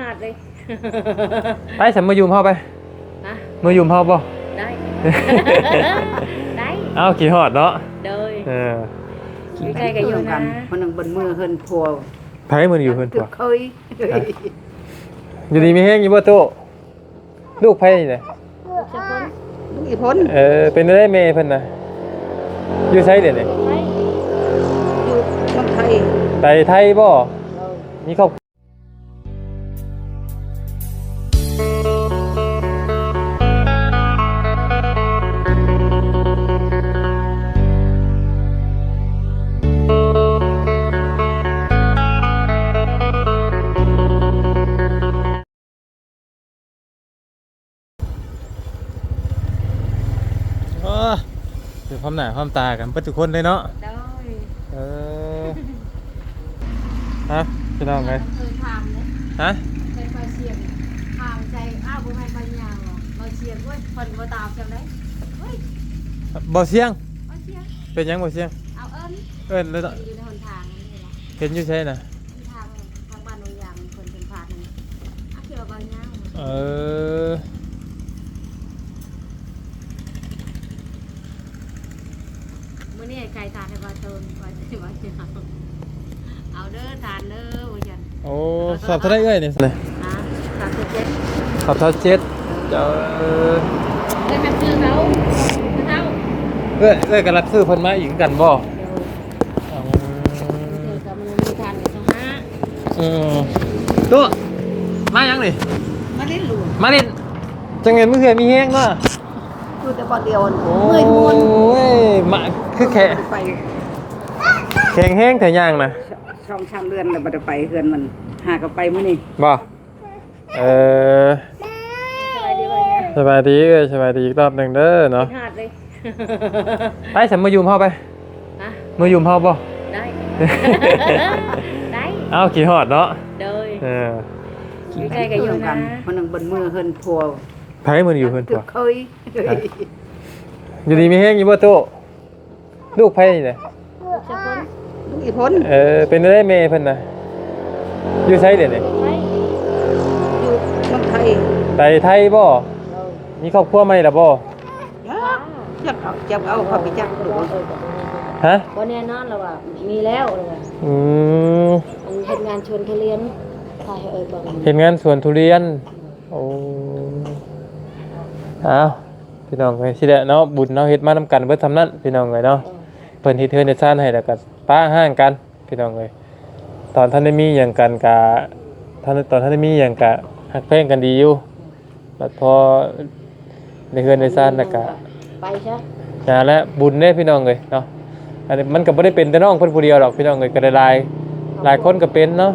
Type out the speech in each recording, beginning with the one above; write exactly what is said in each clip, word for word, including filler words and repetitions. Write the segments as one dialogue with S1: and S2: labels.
S1: อดเลย
S2: ไปฉันมายุ่มพ่อไป
S1: ฮะ
S2: มายุ่มพ่อบ่
S1: ได้ได้
S2: เอ้ากี่หอดเนาะ
S1: เดย
S2: เออ
S1: อยู่ใกล้กันอยู่นะ
S3: มันนึงบนมือเฮินพัว
S2: ไผมืออยู่เพิ่นพัว
S3: เคย
S2: อยู่ดีมีแห้งอยู่บ่โตลูกไผนี่แหละ
S3: ลูกอีพ้น
S2: เออเป็นได้แม่เพิ่นน่ะอยู่ไสเด้นี่
S3: อยู่เมืองไทย
S2: ไปไทยบ่มีครอบเดี๋ยวความหนาความตากันเปิดทุกคนเลยเนาะเออฮะจะเล่าไง
S1: เคยทำเลย
S2: ฮะ
S1: เคยไปเชียงทำใจอ้าวบุให้ไปยาวเราเชียงเว้ยคนมาตามจำได้เฮ้ย
S2: บ่เสียง
S1: บ่เชียง
S2: เป็นยังบ่เสียง
S1: เอาเอิญ
S2: เอิญเลย
S1: อยู่ในหนทางนี่แหละ
S2: เห็นอยู่ใช่น่ะ
S1: ทางทางบ้านโนยางคนเป็นผ่านนี่อ่ะเกี่ยวกับยาว
S2: เออ
S1: มื่อนี้ไก่ทานในบ้านโตนบ้านที่บ้านที่เอาเอาเด้อทานเด้อว่าจัน
S2: โอ้สอบเท่าไรเอ้ยเนี่ย
S1: อ่ะสามสิบเจ็ด
S2: สอบเท่าเจ็ดเจ้าเออ
S1: ได้แม่ซื้อเขาเท่า
S2: เอ้ยเอ้ยกันรับซื้อเพิ่นมาอีกกันบ่อืมตัวมายังนี่
S3: มาเล่นหลวง
S2: มาเล่นจังเงินมื้อเฮือมีแห้งเนาะ
S3: คือแต่บ่เดียว
S2: โอ้ยโอ้ยมาคือแค่
S3: ไป
S2: แข็งแห้งแต่ย่างน่ะ
S3: ช่องช่างเรือนแล้วบ่ได้ไปเฮือนมันหาก็ไปมื้อนี้
S2: บ่เออสบายดีเอ้ยสบายดีอีกรอบนึงเด้อเนาะไปฉันมายุ่มพ่อไป
S1: ฮะ
S2: มายุ่มพ่อบ่
S1: ได้ได้
S2: เอ้ากี่หอดเนาะ
S1: เดย
S2: เออ
S1: อยู่ใกล้กันอยู่นะ
S3: มันนึงบนมือเฮินพัว
S2: ไผมืออยู่เพิ่นพัว
S3: เคย
S2: อยู่ดีมีแห้งอยู่บ่โตลูกไผนี่แหละ
S3: ลูกอีพ้น
S2: เออเป็นได้แม่เพิ่นน่ะอยู่ไสเด้นี่
S3: อยู่เมืองไทย
S2: ไปไทยบ่มีครอบครัวใหม่ล่ะบ่
S3: จักเอาจักเอาเขาไปจักดู
S2: ฮะ
S1: บ่แน่นอนแล้วว่ามีแล้วเลย
S2: อืม
S1: มันเฮ็ดงานชวนทุเรียนถ่ายให้เอ้ยบ่
S2: เฮ็ดงานสวนทุเรียนโอ้อ้าวพี่น้องเอ้ยสิได้เนาะบุญเนาะเฮ็ดมานำกันเบิดทำนั้นพี่น้องเอ้ยเนาะเพิ่นเฮ็ดเทือนเฮ็ดซ่านให้แล้วก็ป้าห้างกันพี่น้องเอ้ยตอนท่านได้มีหยังกันกะท่านตอนท่านได้มีหยังกะฮักแพงกันดีอยู่บัดพอในเฮือนในซ่านแล้วก็
S1: ไปซะ
S2: อย่าแล้วบุญเด้พี่น้องเอ้ยเนาะอันนี้มันก็บ่ได้เป็นแต่น้องเพิ่นผู้เดียวหรอกพี่น้องเอ้ยก็ได้หลายหลายคนก็เป็นเนาะ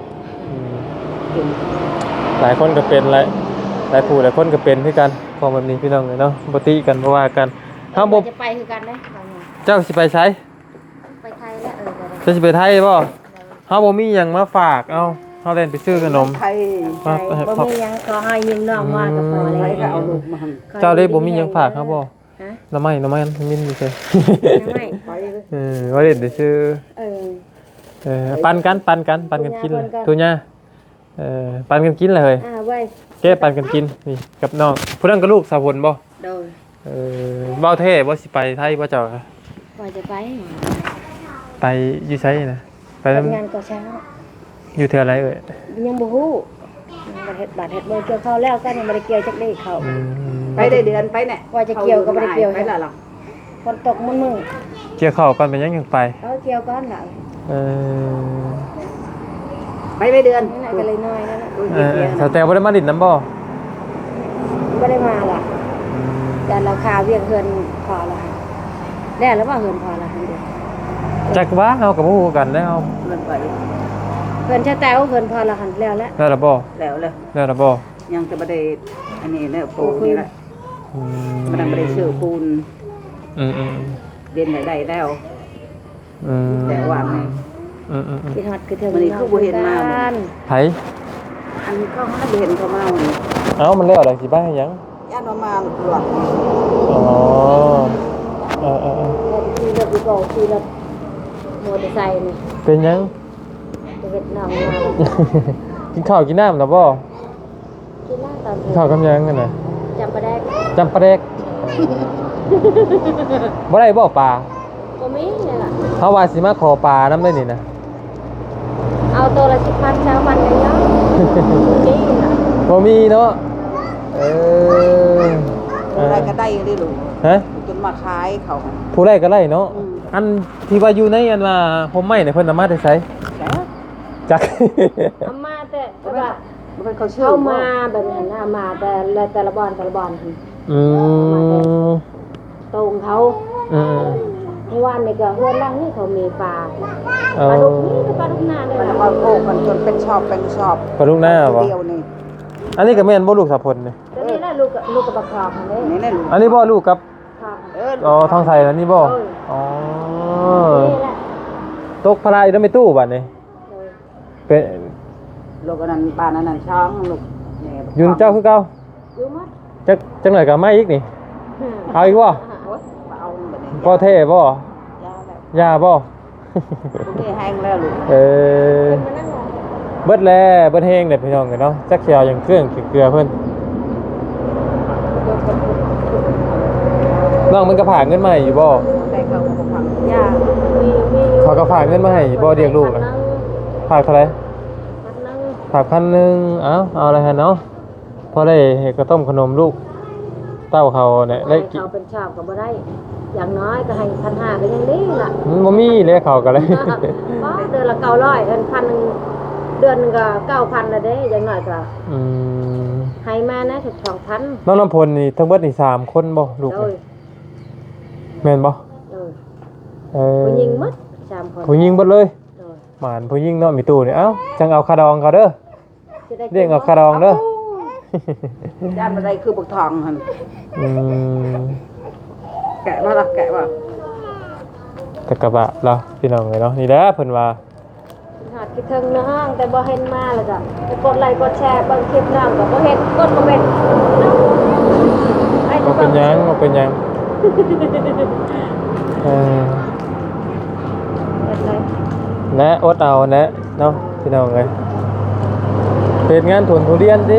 S2: หลายคนก็เป็นหลายหลายผู้หลายคนก็เป็นคือกันของแบบนี้พี่น้องเอ้ยเนาะบ่ติกันบ่ว่ากันเฮาบ่
S1: จะไปคือกันเด้
S2: เจ้าสิไปไส
S1: ไปไทยแล้วเออ
S2: จะสิไปไทยบ่เฮาบ่มีหยังมาฝากเอ้าเฮาเล่นไปซื้อขนม
S3: ไทย
S1: บ่มีหยังขอให้ยืมน้องมาก็พอแล้ว
S3: ก็เอาลูกมา
S2: เจ้าได้บ่มีหยังฝากครับบ่ฮะน้ำไม้น้ำไม้มินอยู่ซื่อน้ำไม้เออว่าเล่นไปซื้อเออเออปันกันปันกันปันกันกินตุญ่าเออปันกันกินเลยอ่าไว้แกปันกันกินนี่กับน้องผู้นั้นก็ลูกสาวพลบ่
S1: โดย
S2: เออเว้าแท้บ่สิไปไทยบ่เจ้าค่ะ
S1: ว่าจะไป
S2: ไปอยู่ไสน่ะไป
S1: ทำงานก่อสร้าง
S2: อยู่เทื่ออะไรเอ่ย
S1: ยังบ่ฮู้บ่เฮ็ดบาดเฮ็ดบ่เกี่ยวข้าวแล้วก็ยังบ่ได้เกี่ยวจักได้เข้า
S3: ไปได้เดือนไปแน่
S1: ว่าจะเกี่ยวก็บ่ได้เกี่ยว
S3: ไปล่ะล่ะ
S1: ฝนตกมื้อ
S2: เกี่ยวข้าวก่อนเป็นยังยังไป
S1: เออเกี่ยวก่อนล่ะ
S2: เออ
S3: ไปไปเดือน
S1: ก็เลยน้อยนั่นน่ะ
S2: เออสแตลบ่ได้มาดินน้ำบ่
S1: บ่ได้มาล่ะแต่ราคาเวียงเฮือนพอละได้แล้วบ่เฮือนพอละเด้
S2: จักว่าเฮาก็บ่ฮู้กันแล้ว
S3: เงินไป
S1: เฮือนชะแตวเฮือนพอละหันแล้วแล้ว
S2: แล้วล่ะบ่
S3: แล้วแล้ว
S2: แล้วล่ะบ่
S3: ยังจะบ่ได้อันนี้เด้อปูนี่แหละอืมมันบ่ได้ซื้อปูน
S2: อืม
S3: ๆเรียนได้แล้ว
S2: อืม
S3: แต่ว่าไง
S2: อืม
S1: ๆคิดฮอดคือเธอ
S3: มันนี่คือบ่เห็นมา
S2: ไผ
S3: อันเขาให้บ่เห็นเขามานี่
S2: เอ้ามันแล้วได้สิบ้าหยัง
S3: ย่านว่ามาหลวง
S2: อ๋อเออ
S1: ๆคือรถก็คือรถมอเตอร์ไซค์นี่
S2: เป็นหยัง
S1: จะเฮ็ดน้องมา
S2: กินข้าวกินน้ำแล้วบ่
S1: กินเหล้าตอน
S2: กินข้าวกับหยังกันน่ะ
S1: จำปาแดก
S2: จำปลาแดกบ่ได้บ่ปลา
S1: บ่มีนี่ล่ะ
S2: เฮาว่าสิมาขอปลานํได้นี่นะ
S1: เอาตัวละสิบพันเช้าวันเลยเนาะนี่ล่ะ
S2: บ่มีเนาะเออ
S3: อะไรก็ได้ได้ลูก
S2: ฮะ
S3: จนมาขายเขา
S2: ผู้ใดก็ได้เนาะอันที่ว่าอยู่ในอันว่าผมไม่เนี่ยเพิ่นเอามาได้ไส
S3: แต่
S2: จัก
S1: เอามาแต่แต่ว่า
S3: มันเป็นเขาชื่อ
S1: เข้ามาแบบนั้นน่ะมาแต่ละแต่ละบอนแต่ละบอน
S2: อืม
S1: ตรงเขา
S2: อืม
S1: เมื่อวานนี่ก็เฮือนล่างนี่เขามีปลา
S2: เอา
S1: ปลาดุกนี่ก็ปลาดุกนาเลย
S3: มัน
S1: ล่ะ
S3: มาโกกันจนเป็นชอบเป็นชอบ
S2: ปลาลูกหน้าบ่
S3: เดียวนี่
S2: อันนี้ก็แม่นบ่ลูกสะพลนี่
S1: แต่นี่แหละลูกกับลูกกับปลาคอบนี่
S3: นี่แหละลูก
S2: อันนี้บ่ลูกกับ
S1: คอบ
S3: เออ
S2: อ๋อทองไสอันนี้บ่อ๋อ
S1: นี่แหละ
S2: ตกพลายแล้วไม่ตู้บัดนี้
S1: เออ
S2: เป็น
S3: ลูกอันนั้นปลานั้นนั่นช้างลูก
S2: ยุนเจ้าคือเก่า
S1: อยู่หมด
S2: จักจังหน่อยก็มาอีกนี่เอาอีกบ่
S3: โอ๊ยเอาแบบนี้
S2: บ่เท่บ่
S3: ยาแล้ว
S2: ยาบ่
S3: ลูกนี่แห้งแล้วลูก
S2: เออ
S1: มานั่งรอ
S2: เบิดแล้วเบิดแฮงเด้พี่น้องกันเนาะจักเขียวอย่างเครื่องเกลือเพิ่นน้องมันก็ฝากเงินมาให้อยู่บ่
S3: ได้เขาก็ฟัง
S1: อย่ามีมีอยู่
S2: เขาก็ฝากเงินมาให้บ่เลี้ยงลูกนะ ฝากเท่าไหร่
S1: พันหนึ่ง
S2: ฝากพันหนึ่งเอ้าเอาอะไรฮะเนาะพอได้เฮ็ดกระต้มขนมลูก เต้าเขาเนี่ย
S1: ให้
S2: ได้กิน
S1: เขาเป็นชาวก็บ่ได้ อย่างน้อยก็ให้พันห้าก็ยังดีล่ะ
S2: มันบ่มีเลยเขาก็เลย
S1: เพราะเดือนละเก้าร้อยเดือนพันหนึ่งเดือนหนึงก็เก้าพันละเด้อย่างน้อยก็
S2: อืม
S1: ให้มานะถึงสองพัน
S2: น้องน้ำพลนี่ทั้งเบิดนี่สามคนบ่ลูก
S1: โดย
S2: นี่แม่นบ่
S1: โดย
S2: เออ
S1: ผู้หญิงหมดสามคน
S2: ผู้หญิงเบิดเลย
S1: โดย
S2: หมานผู้หญิงเนาะมีตู้นี่เอ้าจังเอาคาดองเขาเด้อ
S1: จะได้
S2: เรียกเอาคาดองเด้อ
S3: ย่านอะไรคือบุกทองหัน
S2: อืม
S3: แกะว่าล่ะแกะว่า
S2: กะกะบะเหราพี่น้องเลยเนาะนี่แหละเพิ่นว่า
S1: หาดคิดถึงน้องแต่บ่เห็นมาแล้วจ้ะไปกดไลค์กดแชร์เบิ่งคลิปน้องก็บ่เห็นกดบ่เป็นไอ้
S2: บ่เป็นหยังบ่เป็นหยังเออ
S1: เป็นไร
S2: นะอดเอานะเนาะพี่น้องเอ้ยเป็นงานทุนทุเรียนสิ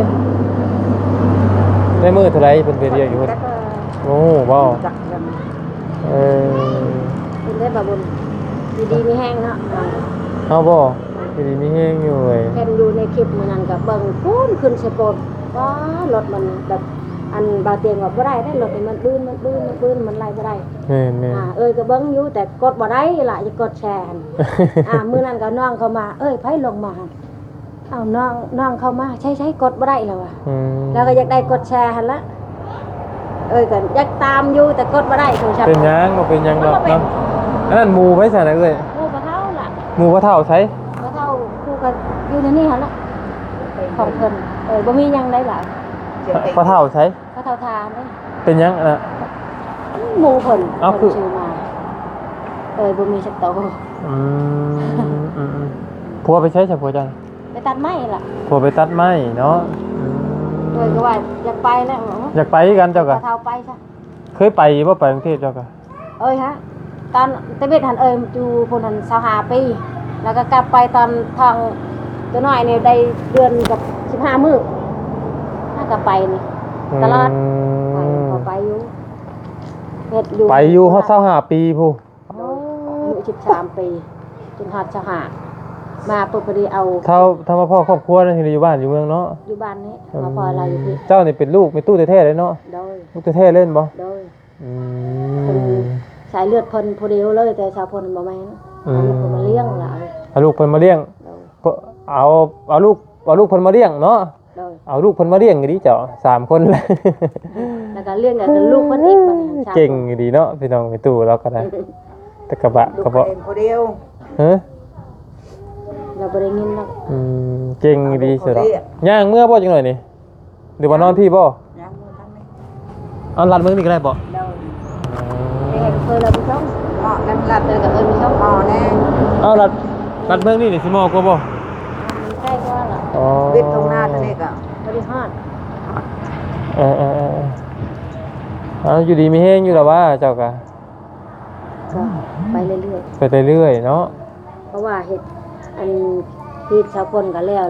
S2: ได้มื้อเท่าไหร่เพิ่นไปเรียกอยู่เพิ่น
S1: แล้วก็
S2: โอ้ว้าว
S3: จักกัน
S2: เออ
S1: เป็นได้บ่บุญดีๆมีแห้งเนาะ
S2: เอาบ่ดีๆมีแฮงอยู่เว้ย
S1: เห็นอยู่ในคลิปมื้อนั้นก็เบิ่งปุ้นขึ้นสะโพดว้ารถมันแบบอันบาเตียงว่าบ่ได้ได้รถนี่มันบื้นมันบื้นมันบื้นมันไล่บ่ได้
S2: แม่น
S1: อ่าเอ้ยก็เบิ่งอยู่แต่กดบ่ได้ล่ะจะกดแชร์หั่น อ่ามื้อนั้นก็น้องเข้ามาเอ้ยไผลงมาหั่นเอ้าน้องน้องเข้ามาใช้ๆกดบ่ได้แล้วอ่ะ
S2: ๆอืม
S1: แล้วก็อยากได้กดแชร์หั่นละเอ้ยก็อยากตามอยู่แต่กดบ่ได้โทรศัพท์
S2: เป็นหยังบ่เป็นหยังดอกเนาะอันนั้นหมู่ไผซะนะเอ้ย
S1: หมู่บ่เท่าล่ะ
S2: หมู่บ่เท่าไส
S1: บ่เท่าคู่ก็อยู่ในนี้หั่นละของเพิ่นเอ้ยบ่มีหยังได้ล่ะ
S3: เจ็บเอง
S2: บ่เท่าไส
S1: บ่เท่าทานเด้
S2: เป็นหยังอะน่ะ
S1: หมู่เพิ่น
S2: เอ้าคือ
S1: เพิ่นชื่อมาเอ้ยบ่มีสักโต
S2: อืมอืมอืมผัวไปใช้จ้ะผัวจัง
S1: ไปตัดไม้ล่ะ
S2: ผัวไปตัดไม้เนาะอืม
S1: เอ้ยก็ว่าอยากไปแล้ว
S2: อยากไปกันเจ้า
S1: บ่
S2: กะ
S1: เท่าไปซะ
S2: เคยไปบ่ไปกรุงเทพเจ้ากะ
S1: เอ้ยฮะตอนตะเบ็ดหันเอ้ยอยู่พุ่นหันสหาปีแล้วก็กลับไปตอนทางตัวน้อยเนี่ยได้เดือนกับสิบห้ามื้อถ้ากลับไปนี่ตลอดไปพอไปอยู่เฮ็ดอยู่
S2: ไปอยู่ฮอดเศร้าห้าปีผู้
S1: โอ้อายุสิบสามปีจนฮอดสหามาปุ๊บพอดีเอา
S2: เท่าถ้ามาพ่อครอบครัวนั่นที่อยู่บ้านอยู่เมืองเนาะ
S1: อยู่บ้านนี้มาพอเราอยู่ที่
S2: เจ้านี่เป็นลูกเป็นตู้แท้ๆเลยเนาะ
S1: โดย
S2: ลูกแท้ๆเล่นบ่
S1: โดย
S2: อื
S1: เป็น
S2: ม
S1: สายเลือดเพิ่นผู้เดียวเลยแต่ชาวเพิ่นบ่แม่น
S2: อืม
S1: เอาลูกเพิ่นมาเลี้ยงล่ะ
S2: เอาลูกเพิ่นมาเลี้ยง
S1: โดย
S2: เพิ่นเอาเอาลูกเอาลูกเพิ่นมาเลี้ยงเนาะ
S1: โดย
S2: เอาลูกเพิ่นมาเลี้ยงดีเจ้าสามคนเลย
S1: แล้วก็เลี้ยงกับลูกเพิ่นอีกบัดนี้ชาว
S2: เก่งดีเนาะพี่น้องมีตู้เราก็ได้แตะกระบะ
S3: ลูก
S2: กระบะ
S3: เองคนเดียว
S2: ฮะ
S1: เราบ่ได้ยินเนาะ
S2: อืมเก่งดีสุดแล้วย่างเมื่อบ่จังหน่อยนี่หรือว่านอนพี่บ่
S3: ยังมือทั้งนี้
S2: เอาลัดเมืองนี่ก็ได้บ่
S1: เราเห็นเคยเราไปช่อง
S3: อ๋อนั่นหลับ
S1: เจอกับเอิญไปช่อง
S3: อ๋อแน่
S2: เอาลัดลัดเมืองนี่นี่สิมอกว่าบ่
S1: มันใกล้กว่าล่ะ
S2: อ๋อ
S3: วิทย์ตรงหน้าทะเลก็
S1: บริหาร
S2: เออเออเออเอาอยู่ดีมีแฮงอยู่แล้วว่าเจ้าก็
S1: ก็ไปเรื่อย
S2: ไปเรื่อยๆเนาะ
S1: ๆเพราะว่าเห็ดอันที่ชาวพลก็แล้วแล้ว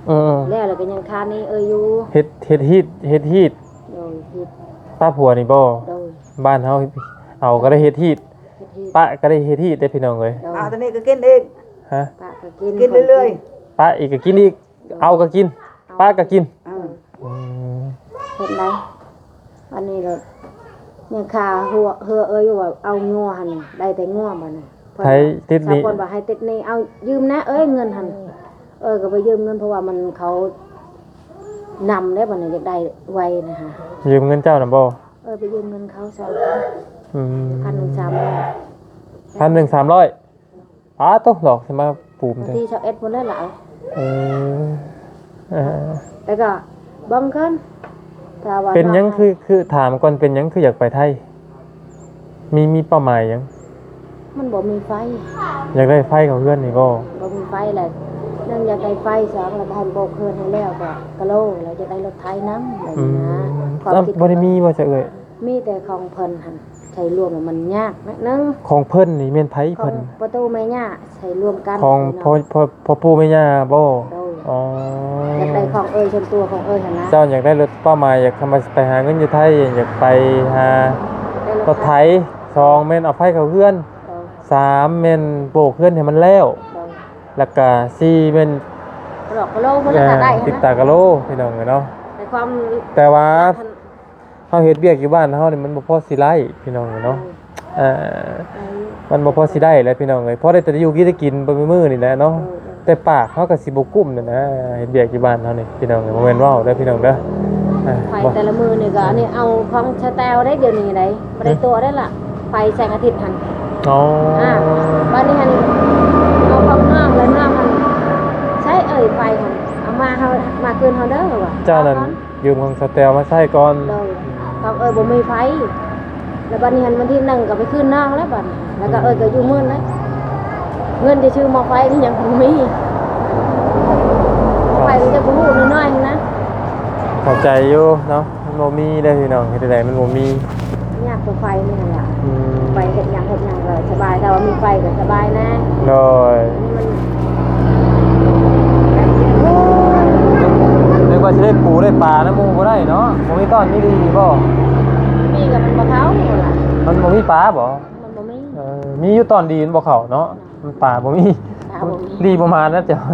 S2: เออ
S1: แล้วแล้วก็ยังคานี่เอ้ยอยู่
S2: เฮ็ดเฮ็ดฮีดเฮ็ดฮีด
S1: โดยเฮ็ด
S2: ป้าผัวนี่บ่
S1: โดย
S2: บ้านเฮาเอาก็ได้เฮ็ดฮีด
S1: เฮ็ดเฮ็ด
S2: ป้าก็ได้เฮ็ดฮีดได้พี่น้องเอ้ย
S1: โดย
S3: เอาตอนนี้ก็กินเอง
S2: ฮะ
S1: ป้าก็กิน
S3: กินเรื่อย
S2: ป้าอีกก็กินอีกเอาก็กินป้าก็กิน
S3: ๆอ่า
S2: อืม
S1: เฮ็ดได้อันนี้เรายังคาหัวเฮือเอ้ยอยู่ว่าเอางัวหั่นได้แต่งัวบัดนี้
S2: ไทยติด
S1: สาว
S2: นี้
S1: คนบอกให้ติดหนี่เอายืมนะเอ้ยเงินหันเออก็ไปยืมเงินเพราะว่ามันเขานำได้บ่เนี่ยอยากได้ไวนะคะ
S2: ยืมเงินเจ้าน่ะบ่
S1: เออไปยืมเงินเขาสอง
S2: อืม
S1: พันหนึ่งสามร้อย
S2: พันหนึ่งสามร้อยอ้าต้องหลอกสิมาปูม
S1: บาง
S2: เด้
S1: ทีชาวเอ็ดหมดเลยเหรอ
S2: เออเออ
S1: แต่ก็บังคันถ้าว่า
S2: เป็นหยังคือคือถามก่อนเป็นหยังคืออยากไปไทย มีมีเป้าหมายหยัง
S1: มันบ่มีไฟ
S2: อยากได้ไฟของเพื่อนนี่บ่
S1: บ่มีไฟเลยเนื่องอยากได้ไฟสองแล้วก็ให้โบกเคินให้แล้วก็กะโลแล้วจะได้รถไถน้ำอะไร
S2: อื
S1: นี่
S2: ม
S1: นะความ
S2: อ้าว
S1: คิด
S2: บ่ได้มีว่าจะเอ่ย
S1: มีแต่ของเพิ่นหันใช้รวมแล้วมันยากนิดนึง
S2: ของเพิ่นนี่แม่นไผ
S1: ขอ
S2: เพิ่
S1: ง
S2: น
S1: ประตูแม่ย่าใช้รวมกัน
S2: ของพ่อพ่อพ่อปู่แม่ย่าบ่
S1: โดย
S2: อ๋อ
S1: อยากได้ของเอ้ยชนตัวของเอ้ยหั่นนะ
S2: เจ้าอยากได้รถเป้าหมายอยากทำมาไปหาเงินอยู่ไทยอยากไปหา
S1: ได้
S2: รถไถสองแม่นเอาไฟเข้าเพื่อน
S1: โดย
S2: สามแม่นโบกเพื่อนให้มันแล้ว
S1: โดย
S2: แล้วก็สี่แม่น
S1: หลอกกะโลมันแล้วก็ได้
S2: ติด
S1: หั่น
S2: ตา
S1: นะ
S2: กะโลพี่น้องเนาะ
S1: ในความ
S2: แต่ว่าเฮาเฮ็ดเวียกอยู่บ้านเฮานี่มันบ่พอสิไล่พี่น้องเนาะเอ่อมันบ่พอสิได้แหล้วพี่น้องเอ้ยพอได้แต่อยู่กินได้กินบ่มีมื้อนี่แหละเนาะแต่ปากเฮาก็สิบ่กุ้มนั่นนะเฮ็ดเวียกอยู่บ้านเฮานี่พี่น้องเอ้ยบ่แม่นเว้าเด้อพี่น้องเด้ออ่า
S1: ไฟ
S2: บ่
S1: แต่ละมือนี่ก็อันนี้เอาของชาแตวได้เดี๋ยวนี้ได้บ่ได้ตัวได้ล่ะไฟแสงอาทิตย์หั่น
S2: อ๋อ
S1: อ่าบ้านนี้หั่นเอาของน้องแล้วน้องหั่นใช้เอ้ยไฟหั่นเอามาเฮามาคืนเฮาเด้อว่ะ
S2: เจ้านั้นยืมของสแตลมาใช้ก่อน
S1: โดยของเอ้ยบ่มีไฟแล้วบัดนี้หั่นวันที่หนึ่งก็ไปคืนน้องแล้วบัดนี้แล้วก็เอ้ยก็อยู่มื้อนั้นเงินจะชื่อหม้อไฟนี่ยังบ่มีไฟมันจะบ่ฮู้น้อยๆนะ
S2: เข้าใจอยู่เนาะมันบ่มีเด้อพี่น้องเฮ็ดจั่งใดมันบ่มี
S1: ยากกว่าไฟนี่แหละ
S2: อืม
S1: ไฟเห็ดหยังเห็ดหยังก็สบายแต่ว่ามีไฟก็สบายนะ
S2: โดย
S1: มัน
S2: นึกว่าสิได้ปูได้ปลานะหมู่บ่ได้เนาะบ่มีต้อนมีดีบ่
S1: มีกับมันบ่เขานี่ล่ะ
S2: มันบ่มีปลาบ่
S1: มันบ่มี
S2: เออมีอยู่ตอนดีมันบ่เข้าเนาะมันปลาบ่มี
S1: ปลาบ่มี
S2: ดีประมาณนั้นจ้ะ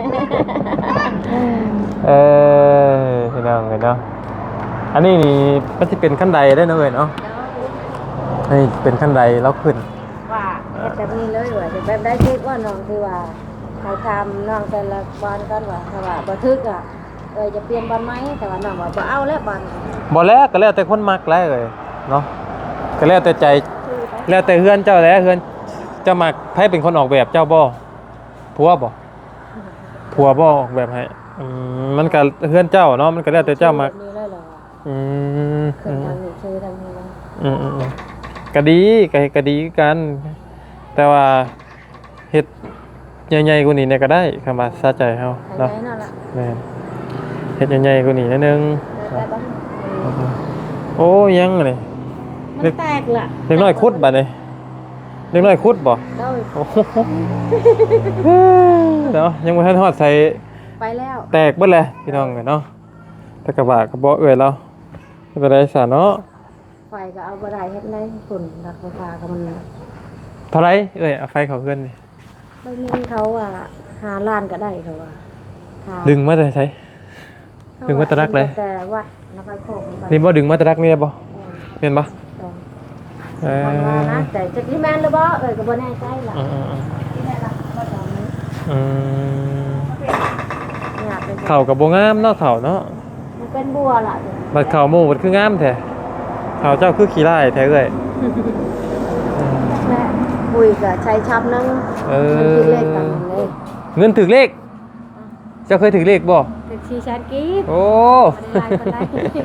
S2: เออพี่น้องเอ้ยเนาะอันนี้นี่มันสิเป็นขั้นใดได้เนาะเอ้ยเนาะนี่เป็นขั้นใดแล้วขึ้น
S1: ว่าเฮ็ดแบบนี้เลยว่าจะแบบได้คิดว่าน้องที่ว่าให้ทำน้องแต่ละบอนกันว่าถ้าว่าบ่ทึกอ่ะเอ้ยจะเปลี่ยนบอนไหมแต่ว่าน้องว่าบ่เอาแล้วบอน
S2: บ่แล้วก็แล้วแต่คนมักแล้วเอ้ยเนาะก็แล้วแต่ใจแล้วแต่เฮือนเจ้าแหล้วเฮือนเจ้ามักไผเป็นคนออกแบบเจ้าบ่ผัวบ่ผัวบ่ออกแบบให้อืมมันก็เฮือนเจ้าเนาะมันก็แล้วแต่เจ้ามัก
S1: นี่เลยเหรอ
S2: อืม
S1: เคยทำนี่ชื่อทำนี่นะ
S2: อืมอืมอืมก็ดีก็ก็ดีกัน แต่ว่าเฮ็ดใหญ่ๆกว่านี้เนี่ยก็ได้คำว่าสะใจเฮา
S1: ให้
S2: เนาะ
S1: ได้นั่นล่ะ
S2: แม่นเฮ็ดใหญ่ๆกว่านี้นิดนึง
S1: ได้บ่
S2: โอ้ยังนี่
S1: มันแตกล่ะ
S2: เด็กน้อยคุดบัดนี้เด็กน้อยคุดบ่
S1: โดย
S2: โอ้โหเนาะยังบ่ทันฮอดใส่
S1: ไปแล้ว
S2: แตกเบิดเลยพี่น้องเนาะแต่กระบะก็บ่เอื้อยเราบ่เป็นไรซะเนาะ
S1: ไฟก็เอาบ่ได้เฮ็ดไรฝุ่นดักไฟฟ้าก็มัน
S2: เท่าไหร่เอ้ยเอาไฟเข้าเฮือนนี่
S1: ไม่มีเขาอ่ะหาล้านก็ได้เขาว่าหา
S2: ดึงมาแต่ไส ดึงมาตะรักเลย
S1: แต่วัดนครโคกไป
S2: นี่บ่ดึงมาแตะรักนี่บ่เห็นบ่
S1: ต้อง
S2: เออ
S1: มันว่านะแต่จะที่แม่นหรือบ่เอ้ยก็บ่แน่ใจล่ะ
S2: อืม
S1: ที่แม่ล่ะบ่ตอนนี้
S2: ๆอืม
S1: อยากเป็น
S2: เข้าก็บ่งามเนาะเข้าเนาะ
S1: มันเป็นบัวล่ะ
S2: บัดเข้าหมู่บัดคืองามแท้เข้าเจ้าคือขี้ร้ายแท้เอ้ย
S1: แม่ปุยก็ใช้ชับนึง
S2: เออ
S1: มันคิดเลขกันเลย
S2: เงินถึกเลขเจ้าเคยถึกเลขบ่
S1: ถึงชีชันกีบ
S2: โอ้
S1: บ่ได้ปานใด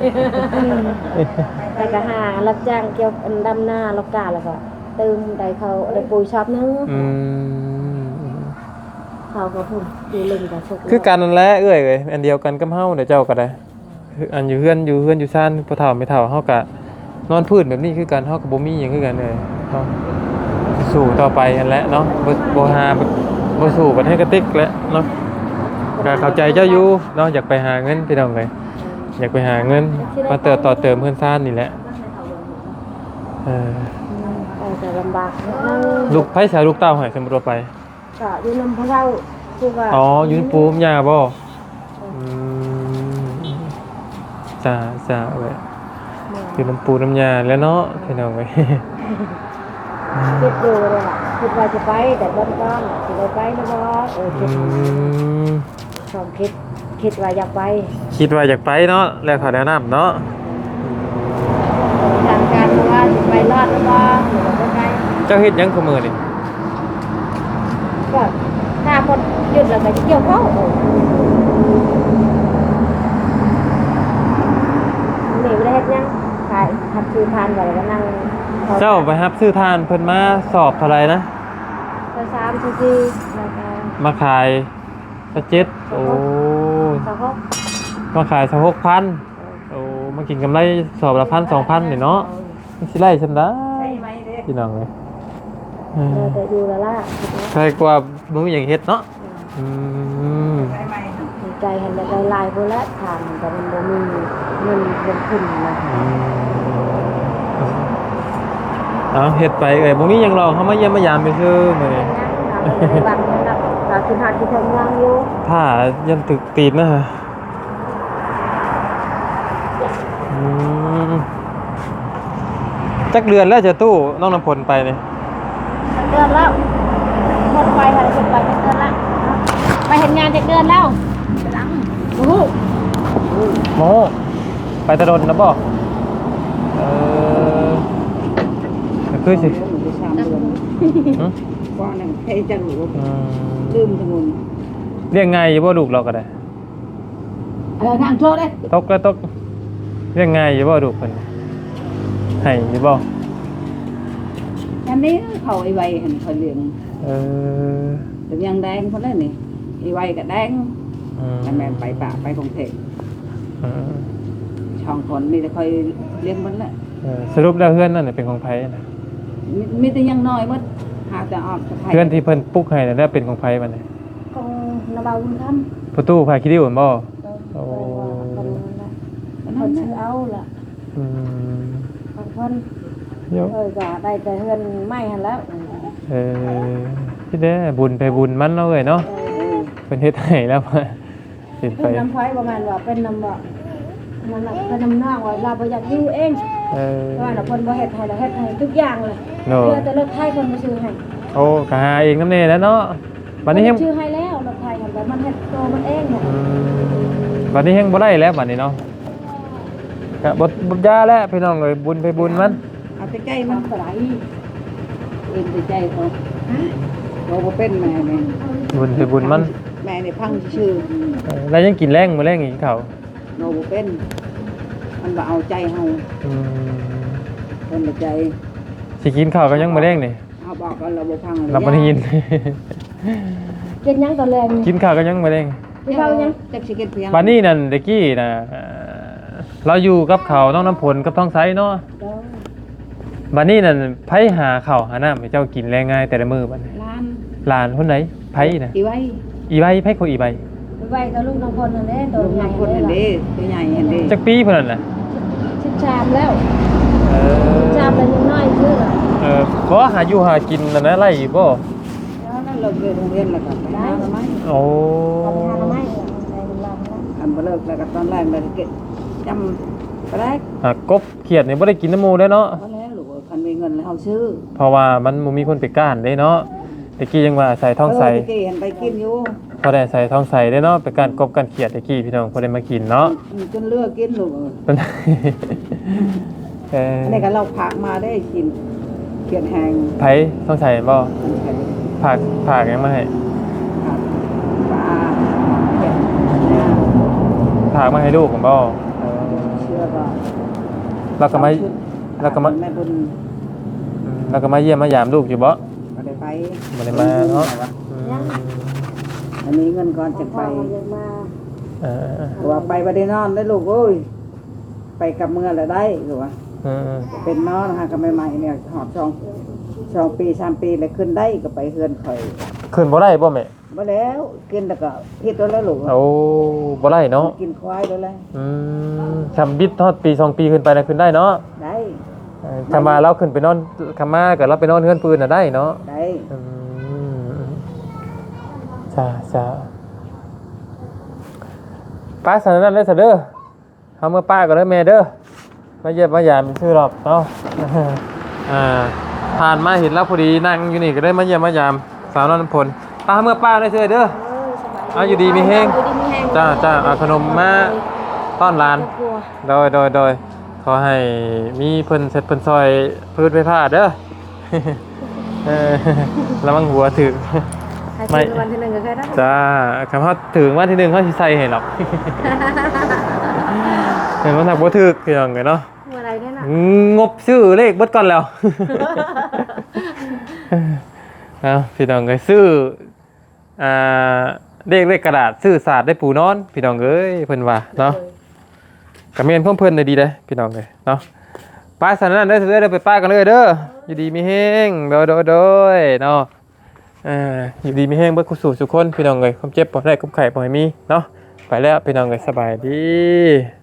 S1: แต่ก็หารับจ้างเกี่ยวกับดำนาลกกาแล้วก็เติมได้เขาได้ปุ๋ยชับนึง
S2: อืม
S1: เขาก็พูดอยู่ลึงกับสุก
S2: คือกันนั่นแหละเอ้ยเอ้ยอันเดียวกันกับเฮาเดี๋ยวเจ้าก็ได้คืออันอยู่เฮือนอยู่เฮือนอยู่ซ่านพ่อเฒ่าแม่เฒ่าเฮาก็นอนพื้นแบบนี้คือกันเฮาก็บ่มีหยังคือกันเลยเนาะสู้ต่อไปนั่นแหละเนาะบ่บ่หาบ่บ่สู้กันให้กระติกแหละเนาะก็เข้าใจเจ้าอยู่เนาะอยากไปหาเงินพี่น้องเลยอยากไปหาเงินมาเติมต่อเติมเพื่อนซ่านนี่แหละเออ
S1: ไปจะลำบากนิดนึง
S2: ลูกไผ่สายลูกเต้าใหายสมบูรณ์ไป
S1: ก็อยู่นำพะเราคือว่า
S2: อ๋ออยืนปูมยาบ่อืมจ้าจ้าเว้ยคือน้ำปูน้ำยาแล้วเนาะพี่น้องเว้ย
S1: คิดดูเลยล่ะคิดว่าจะไปแต่บ้านก้อนจะได้ไปนะบ่เออคิ
S2: อื
S1: ด
S2: ม
S1: ชอบคิดคิดว่าอยากไป
S2: คิดว่าอยากไปเนาะแล้วขอแนะนำเนาะ
S1: ทางการว่าจะไปรอดหรือบ่หรือว่าจะไป
S2: เจ้าเฮ็ดหยังคุมื้อนี่
S1: ก็ถ้าหมดหยุดแล้วก็จะเกี่ยวเข้าหนีไม่ได้เฮ็ดหยังขายทับซื้อทานไว้แล้วก็นั่ง
S2: เจ้าไปรับซื้อทานเพิ่นมาสอบเท่าไหร่นะ
S1: ไปสามสี่สี่แล้วก็
S2: มาขายสักเจ็ดโอ้
S1: สองหก
S2: มาขายสักหกพันโอ้มากินกำไรสอบละพันสองพันนี่เนาะมันสิไล่ฉันได้
S3: ใช่ไหมเด้
S2: พี่น้องเลยเอ
S1: เอ
S2: อ
S1: อแต่อยู่แล้วล่ะ
S2: ใครกว่าบ่มีหยังเฮ็ดเนาะอืม
S3: ใช่ไหม
S1: ดีใจเห็นได้ลายพุ่นละทางแต่มันบ่มีเงินลงทุนนะ
S2: อืมเอาเฮ็ดไปเอ้ยบ่มีหยังหรอกเฮามาเยี่ยมมายามไปซื่อมื้อนี้
S1: บางคนเราเราคิดหาที่ทำงานอยู่
S2: ผ้ายันตึกตีนนะฮะอืมจักเดือนแล้วจะตู้น้องน้ำพลไปนี่
S1: เดือนแล้วหมดไปค่ะหมดไปเดือนละไปเห็นงานจากเดือนแล้วโอ้โห
S2: โมไปตะดนนะบ่เออก็คือสิ
S3: หนูไปสามเดือน
S2: หึ
S3: ว่านั่นใครจะรู้
S2: อืม
S3: ลืมทั้งหมด
S2: เรียกไงอยู่บ่ลูกเราก็ได้
S3: เออนั่งโทษเด้
S2: ตกก็ตกเรียกไงอยู่บ่ลูกเพิ่นให้อยู่บ่
S3: อันนี้เขาไอ้ใบเห็นเขาเลี้ยง
S2: เออ
S3: แต่ยังแดงคนนั้นนี่ไอ้ใบก็แดง
S2: อืม
S3: แต่แม่ไปป่าไปกรุงเทพ
S2: อืม
S3: ช่องคนนี่จะคอยเลี้ยงมันแหละ
S2: เออสรุปแล้วเพื่อนนั่นนะเป็นของไผนะ
S3: มีมีแต่ยังน้อยมัดหาแต่ออกสะพาย
S2: เพื่อนที่เพิ่นปลุกให้นั่นแหละเป็นของไผมันน่ะ
S1: ของนาบาวุ้นทำ
S2: ประตูพาคิดดิวบ่
S1: โอ้คนชื่อเอาล่ะ
S2: อืม
S1: ของคน
S2: เดี๋ยว
S1: เออก็ได้แต่เฮือนไม่หันแล้ว
S2: เออคิดได้บุญไปบุญมันเนาะเอ้ยเนาะ
S3: เออ
S2: เพิ่นเฮ็ดให้แล้วเห็นไป
S1: เป็นน้ำไฟประมาณว่าเป็นน้ำบ่มันน่ะเป็นน้ำนอกว่าเราบ่อยากอยู่เอง
S2: เออ
S1: ว่าน่ะเพิ่นบ่เฮ็ดให้แล้วเฮ็ดให้ทุกอย่างเลย
S2: เนาะ
S1: เพื่อแต่รถไทยเพิ่นบ่ซื้อให้
S2: โอ้ก็หาเองนำแน่แล้วเนาะบัดนี้เฮง
S1: ชื่อให้แล้วรถไทยหันแต่มันเฮ็ดตัวมันเองเนี่ย
S2: อืมบัดนี้เฮงบ่ได้แล้วบัดนี้เนาะก็บ่บ่ยาแล้วพี่น้องเอ้ยบุญไปบุญมัน
S3: เอาแต่ใจมัน
S1: เท่าไหร่
S3: เอ็นแต่ใจเขาเราบ่เป็นแม่เนี่ย
S2: บุญไปบุญมัน
S3: แม่เนี่ยพังชื่อ
S2: เออแล้วยังกินแรงมื้อแรงอีกเขา
S3: เราบ่เป็น มันบ่เอาใจเฮา
S2: อืม
S3: เป็นแต่ใจ
S2: สิกินข้าวก็ยังมื้อแรงนี่
S3: เอาบอกกันเราบ่พัง
S2: เราบ่ได้ยิน
S1: กินหยังตอนแรกนี่
S2: กินข้าวก็ยังมื้อแรง
S1: กินข้าวยัง
S3: จักสิเก็ดเพียง
S2: บัดนี้นั่นตะกี้น่ะเอ่อเราอยู่กับเขาน้องน้ำผลกับท้องไสเนาะ
S1: เด้อ
S2: บัดนี้นั่นไผหาข้าวหาน้ำให้เจ้ากินแลง่ายแต่ละมื้อบัดนี้
S3: ล้าน
S2: หลานคนไหนไผน่ะ
S3: อีไว้
S2: อีใบไผคนอีใบ
S1: ไปไว้กับลูกน้องพลนั่นแหละตัว
S3: ลูก
S1: ใหญ่
S3: น้ำคนอันเด้ตัวใหญ่อันเด้
S2: จักปีเพิ่นนั่นน่ะ
S1: สิบสามแล้ว
S2: เออ
S1: สามแล้วยังน้อยชื่อล่ะ
S2: เออบ่หาอยู่หากินนั่นนะไล่อยู่บ่
S3: แล้วนั่นเลิกเรียนโรงเรียนแล้วก็ไปหาทำไม
S2: โอ้
S1: ทำทานไม่ในลำนะ
S3: อันบ่เลิกแล้วก็ตอนแรกเลยเก็บจำไปแรก
S2: หากบเขียดนี่บ่ได้กินน้ำหมูเด้เนาะ
S3: ว่าแล้วลูกคันมีเงินแล้วเฮาซื้อ
S2: เพราะว่ามันบ่มีคนไปก้านเด้เนาะตะกี้ยังว่าใส่ท้องใส
S3: เตะกี้เห็นไปกินอยู่
S2: พอได้ใส่ท้องใสได้เนาะไปก้านกบก้านเขียดตะกี้พี่น้องพอได้มากินเนาะ
S3: จนเลือกกินลูก
S2: เป็น เออ
S3: อันนี้ก็เราผักมาได้กินเขียนแหง
S2: ไผท้องใสบ่
S3: มันใส่
S2: ผักผักยังมาให้
S3: ผักปลาเขียน
S2: ผักมาให้ลูกผมบ่เออ
S3: เชื่อก็
S2: แล้วก็มาแล้วก็มา
S3: แม่บุญ
S2: อืมแล้วก็มาเยี่ยมมายามลูกอยู่บ่
S3: ก็ได้ไป
S2: บ่ได้มาเนาะอืม
S3: อันนี้เงินก่อนจะ
S1: พ่
S3: ไป
S1: อก็ยังมา
S2: เออ
S3: หรือว่าไปบ่ได้นอนได้ลูกเอ้ยไปกับเมื่อแล้วได้หรือว่า
S2: เออ
S3: เป็นนอนหากันใหม่ๆเนี่ยหอบสองสองปีสามปีแล้วขึ้นได้ก็ไปเฮือนข่อย
S2: ขึ้นบ่ได้บ่แม่
S3: บ่แล้วกินแล้วก็เฮ็ดตัวแล้วลูก
S2: โอ้บ่ได้เนาะ
S3: กินควายแล้วแหละ
S2: อืมทำบิดทอดปีสองปีขึ้นไปน่ะขึ้นได้เนาะ
S3: ได้
S2: เออถ้ามาเราขึ้นไปนอนคามาก็เราไปนอนเฮือนปืนน่ะได้เนาะ
S3: ได้
S2: อืมจ้าจ้าป้าสันนั้นเลยซะเด้อเฮาเมื่อป้าก็เด้อแม่เด้อมาเยี่ยมมายามชื่อรอบเนาะ อ่าผ่านมาเห็นแล้วพอดีนั่งอยู่นี่ก็ได้มาเยี่ยมมายามสาวนนพลป้าเมื่อป้าได้เชื่อเด้อเอาอยู่ดีมีแห้ง
S1: อยู่ดีมีแห้ง
S2: จ้าจ้าเอาขนมมาต้อนหลาน
S1: กลัว
S2: โดยโดยโดยขอให้มีเพิ่นเสร็จเพิ่นซอยพืชไฟฟ้าเด้อ เออระวังหัวถึง
S1: ให้
S2: ไม่
S1: ซื้อวันที่หนึ่งก็แค่นั้น
S2: จ้าคำว่าถึงวันที่หนึ่งเขาสิใส่ให้หรอก เห็นว่าหนักบ่ถึกคือหยังไงเนาะ
S1: เมื่อไรเนี่ยน่ะ
S2: งบซื้อเลขเบิดก่อนแล้ว เอาพี่น้องเอ้ยซื้ออ่าเลขเลขกระดาษซื้อศาสตร์ได้ปูนอนพี่น้องเอ้ยเพิ่นว่าเนาะก็แม่นของเพิ่นได้ดีเด้อพี่น้องเอ้ยเนาะป้าสันนั้นเด้อเด้อไปป้ากันเลยเด้ออยู่ดีมีแฮงโดยโดยโดยเนาะเอ่ออยู่ดีมีแฮงเบิดคุสู่ทุกคนพี่น้องเอ้ยความเจ็บบ่ได้ความไข้บ่ให้มีเนาะไปแล้วพี่น้องเอ้ยสบายดี